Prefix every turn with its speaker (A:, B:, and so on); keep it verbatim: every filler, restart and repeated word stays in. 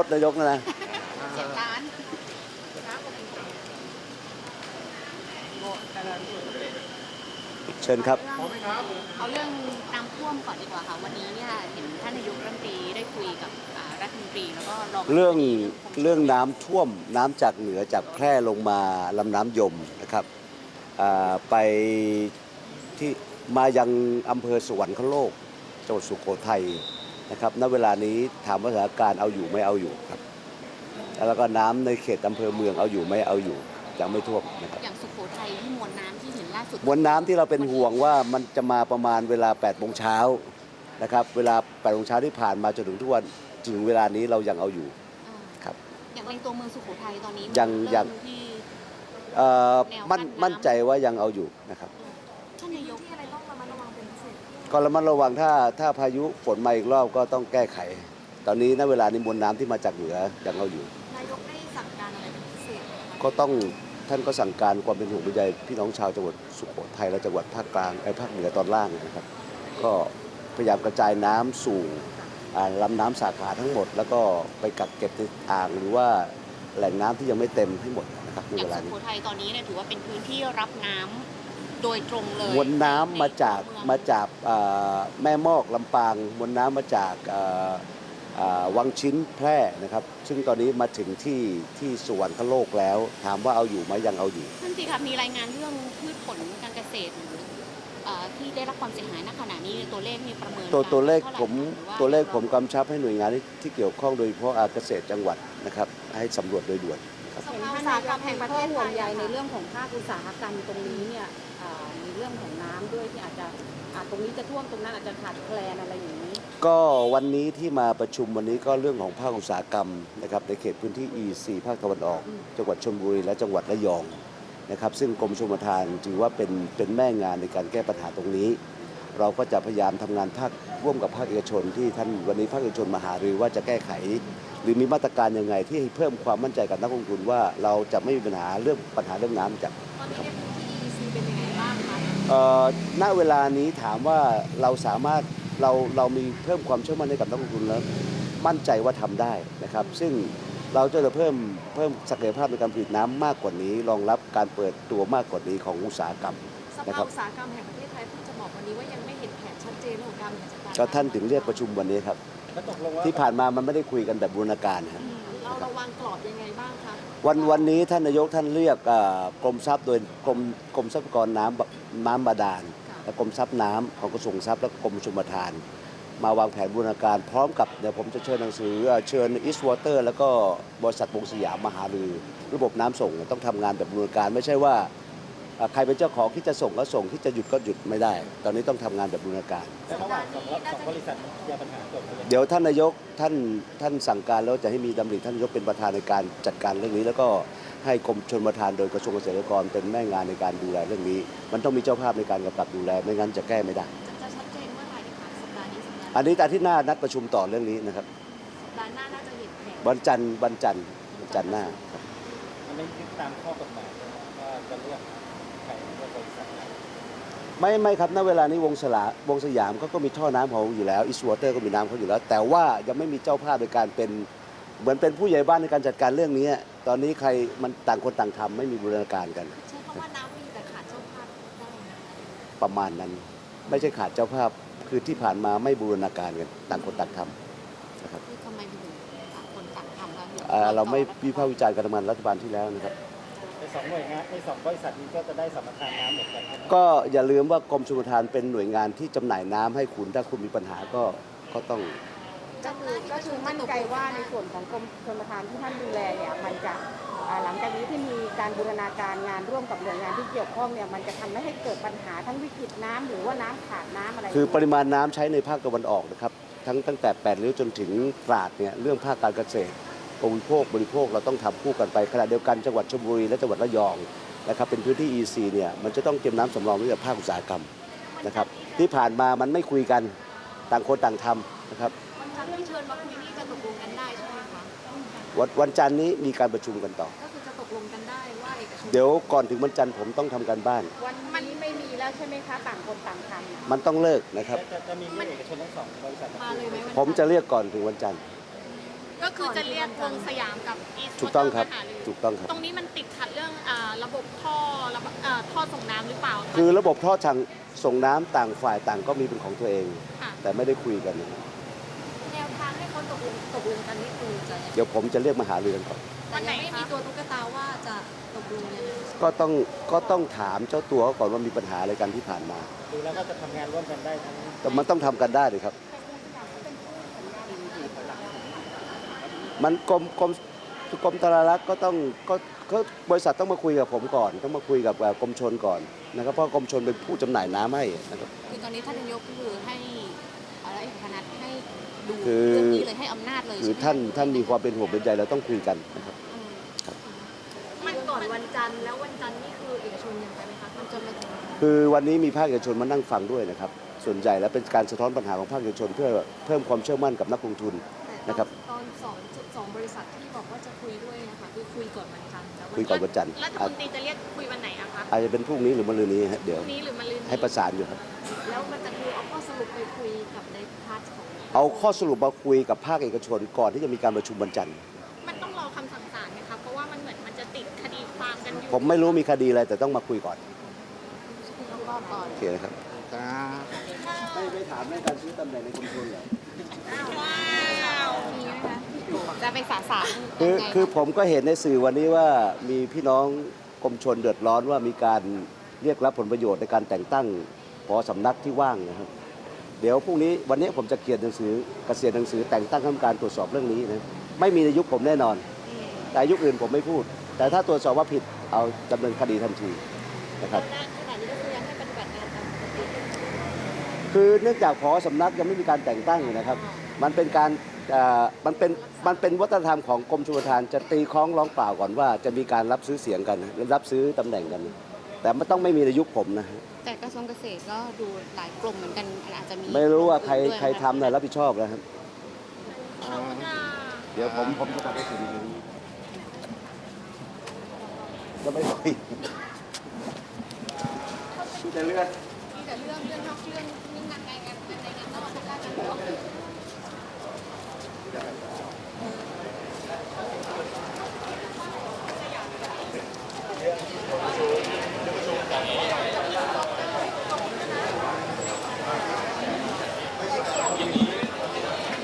A: ถนายกนะนะ
B: เสียงร้าน
A: เชิญครับ
B: เอาเรื่องน้ำท่วมก่อนดีกว่าค่ะวันนี้เนี่ยเห็นท่านนายกรัฐมนตรีได้คุยกับรัฐมนตรีแล้วก็รอง
A: เรื่องเรื่องน้ำท่วมน้ำจากเหนือจากแพร่ลงมาลำน้ำยมนะครับไปที่มายังอำเภอสวรรคโลกจังหวัดสุโขทัยนะครับณเวลานี้ถามว่าสถานการณ์เอาอยู่ไม่เอาอยู่ครับแล้วก็น้ำในเขตอำเภอเมืองเอาอยู่ไม่เอาอยู่ยังไม่ท่วมนะครับ
B: อย่างสุโขทัยที่มวลน้ำที่เห็นล่าสุด
A: มวลน้ำที่เราเป็นห่วงว่ามันจะมาประมาณเวลาแปดโมงเช้านะครับเวลาแปดโมงเช้าที่ผ่านมาจนถึงทุกวันถึงเวลานี้เรายังเอาอยู่ครับ
B: อย่างในตัวเมืองสุโขทัยตอนนี้
A: ยังยัง
B: ที่
A: มั่นมั่นใจว่ายังเอาอยู่นะครับ
B: ท่านนายกที่อะไรต้องระมัดระวังเป็นพิเศษ
A: ก็ระมัดระวังถ้าถ้าพายุฝนมาอีกรอบก็ต้องแก้ไขตอนนี้ณเวลานี้มวลน้ำที่มาจากเหนือยังเอาอยู่
B: นายกได้สั่งการอะไรเป็นพิเศษ
A: ก็ต้องท่านก็สั่งการความเป็นห่วงเป็นใยพี่น้องชาวจังหวัดสุโขทัยและจังหวัดภาคกลางไอ้ภาคเหนือตอนล่างนะครับก็พยายามกระจายน้ำสู่ลำน้ำสาขาทั้งหมดแล้วก็ไปกักเก็บในอ่างหรือว่าแหล่งน้ำที่ยังไม่เต็มให้หมดนะครับในเวลานี้
B: สุโขทัยตอนนี้เนี่ยถือว่าเป็นพื้นที่รับน้ำโดยตรงเลย
A: มวลน้ำมาจากมาจากแม่มอกลำปางมวลน้ำมาจากวังชิ้นแพร่นะครับซึ่งตอนนี้มาถึงที่ที่สวรรคโลกแล้วถามว่าเอาอยู่ไหมยังเอาอยู่
B: ท่านสิครับมีรายงานเรื่องพืชผลการเกษตรที่ได้รับความเสียหายณขณะนี้ตัวเลขมีประเมิน
A: ตัวตัวเลขผมตัวเลขผมกำชับให้หน่วยงานที่เกี่ยวข้องโดยเฉพาะเกษตรจังหวัดนะครับให้สำรวจโดยด่วน
C: เห็นท่านนายกแห่งประเทศห่วงใยในเรื่องของภาคอุตสาหกรรมตรงนี้เนี่ยมีเรื่องของน้ำด้วยที่อาจจะตรงนี้จะท่วมตรงนั้นอาจจะขาดแคลนอะไรอย่างนี้
A: ก็วันนี้ที่มาประชุมวันนี้ก็เรื่องของภาคอุตสาหกรรมนะครับในเขตพื้นที่ อี ซี ภาคตะวันออกจังหวัดชลบุรีและจังหวัดระยองนะครับซึ่งกรมชลประทานถือว่าเป็นเป็นแม่งานในการแก้ปัญหาตรงนี้เราก็จะพยายามทำงานภาคร่วมกับภาคเอกชนที่ท่านวันนี้ภาคเอกชนมาหารือว่าจะแก้ไขหรือมีมาตรการยังไงที่เพิ่มความมั่นใจกับนักลงทุนว่าเราจะไม่มีปัญหาเรื่องปัญหาเรื่องน้ำจาก
B: ตอนนี้ที่ อี ซี เป็นยังไงบ้างคะ
A: ณเวลานี้ถามว่าเราสามารถเราเรามีเพิ่มความเชื่อมั่นให้กับนักลงทุนแล้วมั่นใจว่าทำได้นะครับซึ่งเราจะเพิ่มเพิ่มศักยภาพในการผลิตน้ำมากกว่านี้รองรับการเปิดตัวมากกว่านี้ของอุตสาหกรรม
C: นะครับอุตสาหกรรมแห่งประเทศไทยเพิ่งจะบอกวันนี้ว่ายังไม่เห็นแผนชัดเจนของการบริหารจัดการ
A: ก็ท่านถึงเรียกประชุมวันนี้ครับที่ผ่านมามันไม่ได้คุยกันแบบบูรณาการครับ
C: เราระวังกรอบยังไงบ้างคะ
A: วันวันนี้ท่านนายกท่านเรียกกรมทรัพย์โดยกรมกรมทรัพยากรน้ำน้ำบาดาลและกรมทรัพย์น้ำของกระทรวงทรัพย์และกรมชลประทานมาวางแผนบูรณาการพร้อมกับเดี๋ยวผมจะเชิญหนังสือเชิญอีสต์วอเตอร์แล้วก็บริษัทวงสยามมาหารือระบบน้ำส่งต้องทำงานแบบบูรณาการไม่ใช่ว่าใครเป็นเจ้าของที่จะส่งก็ส่งที่จะหยุดก็หยุดไม่ได้ตอนนี้ต้องทำงานแบบบูรณาการ
D: ระหว่างสองบริษัทมีปัญหาเกิดขึ้น
A: เดี๋ยวท่านนายกท่านท่านสั่งการแล้วจะให้มีดำริท่านนายกเป็นประธานในการจัดการเรื่องนี้แล้วก็ให้กรมชลประทานโดยกระทรวงเกษตรและกรเป็นแม่งานในการดูแลเรื่องนี้มันต้องมีเจ้าภาพในการกำกับดูแลไม่งั้นจะแก้ไม่ได้
B: จะชัดเจนเมื่อไหร่คะสัปดาห์นี้สัปดาห์
A: อันนี้อาทิตย์หน้านัดประชุมต่อเรื่องนี้นะครับ
B: สัปดาห์หน้าน่าจะเห็นแผน
A: วันจันทร์วันจันทร์วันจันทร์หน้าครับ
D: อันนี้ตามข้อกฎหมายว่าจะเลือกใครเลือกบริษัทไหน
A: ไม่ไม่ครับณเวลานี้วงสลาวงสยามเขาก็มีท่อน้ำของอยู่แล้วอีสต์วอเตอร์ก็มีน้ำเขาอยู่แล้วแต่ว่ายังไม่มีเจ้าภาพในการเป็นเหมือนเป็นผู้ใหญ่บ้านในการจัดการเรื่องนี้ตอนนี้ใครมันต่างคนต่างทำไม่มีบูรณาการกัน
B: ใช่เพราะว่าน้ำมีแต่ขาดเจ้าภาพได้
A: ประมาณนั้นไม่ใช่ขาดเจ้าภาพคือที่ผ่านมาไม่บูรณาการกันต่างคนต่างทำนะครับ
B: คือทำไมถึงต่างคนต่างทำแล้ว
A: เราไม่วิพากษ์วิจารณ์การทำงานรัฐบาลที่แล้วนะครับ
D: ในสองหน่วยงานในสองบริษัทนี้ก็จะได้สัมปทานน้ำเหมือนกัน
A: ก็อย่าลืมว่ากรมชลประทานเป็นหน่วยงานที่จำหน่ายน้ำให้คุณถ้าคุณมีปัญหาก็ก็ต้อง
C: ก็คือก็คือมั่นใจว่าในส่วนของกรมชลประทานที่ท่านดูแลเนี่ยมันจะหลังจากนี้ที่มีการบูรณาการงานร่วมกับหน่วยงานที่เกี่ยวข้องเนี่ยมันจะทำให้เกิดปัญหาทั้งวิกฤตน้ำหรือว่าน้ำขาดน้ำอะไร
A: คือปริมาณน้ำใช้ในภาคตะวันออกนะครับทั้งตั้งแต่แปดริ้วจนถึงตราดเนี่ยเรื่องภาคการเกษตรบริโภคบริโภคเราต้องทำคู่กันไปขณะเดียวกันจังหวัดชลบุรีและจังหวัดระยองนะครับเป็นพื้นที่ อี ซี เนี่ยมันจะต้องเตรียมน้ำสำรองไว้กับภาคอุตสาหกรรมนะครับที่ผ่านมามันไม่คุยกันต่างคนต่างทำนะครับ
B: วันจันทร์ที่เชิญมาคุยนี่จะตกลงกันได้ใช่ไหมคะ
A: วันวันจันทร์นี้มีการประชุมกันต่อ
B: ก็คือจะตกลงกันได้ว่าเอกชน
A: เดี๋ยวก่อนถึงวันจันทร์ผมต้องทำการบ้าน
C: วันนี้ไม่มีแล้วใช่ไหมคะต่างคนต่างทำ
A: มันต้องเลิกนะครับ
D: จะมีเอกชนทั้งสองบริษัท
B: มาเลยไหม
A: ผมจะเรียกก่อนถึงวันจันทร์
B: กก็คือจะเรียกวงสยามกับอีส
A: ถูกต้องครับ
B: มาหารือ
A: ถูกต้องครับ
B: ตรงนี้มันติดขัดเรื่องอ่าระบบท่อระบบเอ่อท่อส่งน้ำหรือเปล่าะ
A: คือระบบท่อทางส่งน้ำต่างฝ่ายต่างก็มีเป็นของตัวเอง
B: ค่ะ
A: แต่ไม่ได้คุยกันนะครับ
E: แนวทางให้เขาตกลงตกลงกันนี่คือจะยังไง
A: เดี๋ยวผมจะเรียกมาหารือกันก่อน
E: แต่ยังไม่มีตัวตุ๊กตาว่าจะตกลงยังไง
A: ก็ต้องก็ต้องถามเจ้าตัวเขาก่อนว่ามีปัญหาอะไรกันที่ผ่านมา
D: ดูแล้วก็จะทำงานร่วมกันได้ทั้ง
A: แต่มันต้องทำกันได้เลยครับ มันกรมกรมกรมธนารักษ์ก็ต้องก็ก็บริษัทต้องมาคุยกับผมก่อน ต้องมาคุยกับเอ่อกรมชลก่อนนะครับ เพราะกรมชลเป็นผู้จำหน่ายน้ำให้นะครับ
B: คือตอนนี้ท่านนายกก็คือให้อะไรเอกพนัทให้ดู
A: คือ
B: เรื่องนี้เลยให้อำนาจเลย
A: คือ
B: ใช่ไหม
A: ท่านท่านมีความเป็นห่วงเป็นใยเราต้องคุยกันนะครับ
B: อืม
E: มันก่อนวันจันทร์แล้ววันจันทร์นี่คือเอกชนยังไปไหมคะมันจะมาถึง
A: คือวันนี้มีภาคเอกชนมานั่งฟังด้วยนะครับ ส่วนใหญ่แล้วเป็นการสะท้อนปัญหาของภาคเอกชน เพื่อเพิ่มความเชื่อมั่นกับนักลงทุน
E: แต่
A: นะครับ
E: ตอนสองสองบริษัทที่บอกว่าจะคุยด้วยนะคะคือคุยก่อนวันจันทร์แต่ว่า
A: คุยก่อนวันจันทร์
B: รัฐม
A: อาจ
B: นตรีจะเรียกคุยวันไหนอะคะ
A: อาจจะเป็นพรุ่งนี้หรือมะรืนนี้ฮะเดี๋
B: พ
A: ยว
B: รุ่งนี้หรือมะรืนนี้
A: ให้ประสานอยู่ครับ
E: แล้วมันจะคือเอาข้อสรุปไปคุยกับในพาร์ทของ
A: เอาข้อสรุปมาคุยกับภาคเอกชนก่อนที่จะมีการประชุมวันจันทร์
B: มันต้องรอคำสั่งศาลไหมคะเพราะว่ามันเหมือนมันจะติดคดีความกันอยู่
A: ผมไม่รู้มีคดีอะไรแต่ต้องมาคุยก่อน
B: ต้องรอก่อน
A: โอเคนะครับ
D: ครับ
A: ไม่ไม่ถามเรื่องการซื้อตำแหน่งในกรมชลเหรอ
B: ว้าวมีไหมคะจะไปสาสาร
A: คือ
B: ยังไง
A: คือผมก็เห็นในสื่อวันนี้ว่ามีพี่น้องกรมชลเดือดร้อนว่ามีการเรียกรับผลประโยชน์ในการแต่งตั้งผอสำนักที่ว่างนะครับ เดี๋ยวพรุ่งนี้วันนี้ผมจะเขียนหนังสือเกษียณหนังสือแต่งตั้งคณะกรรมการตรวจสอบเรื่องนี้นะไม่มีในยุคผมแน่นอน แต่ยุคอื่นผมไม่พูด แต่ถ้าตรวจสอบว่าผิดเอาดำเนินคดีทันทีนะครับ
E: ขณะนี้ก็คือยังให้ปฏิบัติงานตามปกติ
A: คือเนื่องจากผอสำนักยังไม่มีการแต่งตั้งอยู่นะครับ มันเป็นการเอ่อมันเป็นมันเป็นวัฒนธรรมของกรมชลประทานจะตีคล้องร้องเปล่าก่อนว่าจะมีการรับซื้อเสียงกันรับซื้อตำแหน่งกัน แต่มันต้องไม่มีในยุคผมนะ
B: แต่กระทรวงเกษตรก็ดูหลายกลุ่มเหมือนกันอาจจะมี
A: ไม่รู้ว่าใคร
B: ด้วย
A: ใครทำนะรับผิดชอบนะครับ
B: ขอบคุณค่ะ
A: เดี๋ยวผมผมจะกลับไปถึงจะไม่คุยจะเลื่อน
B: มีแต่เรื่องเรื่องนอกเรื่องเรื่องงานในงานในงานนอกทางด้านการเมือง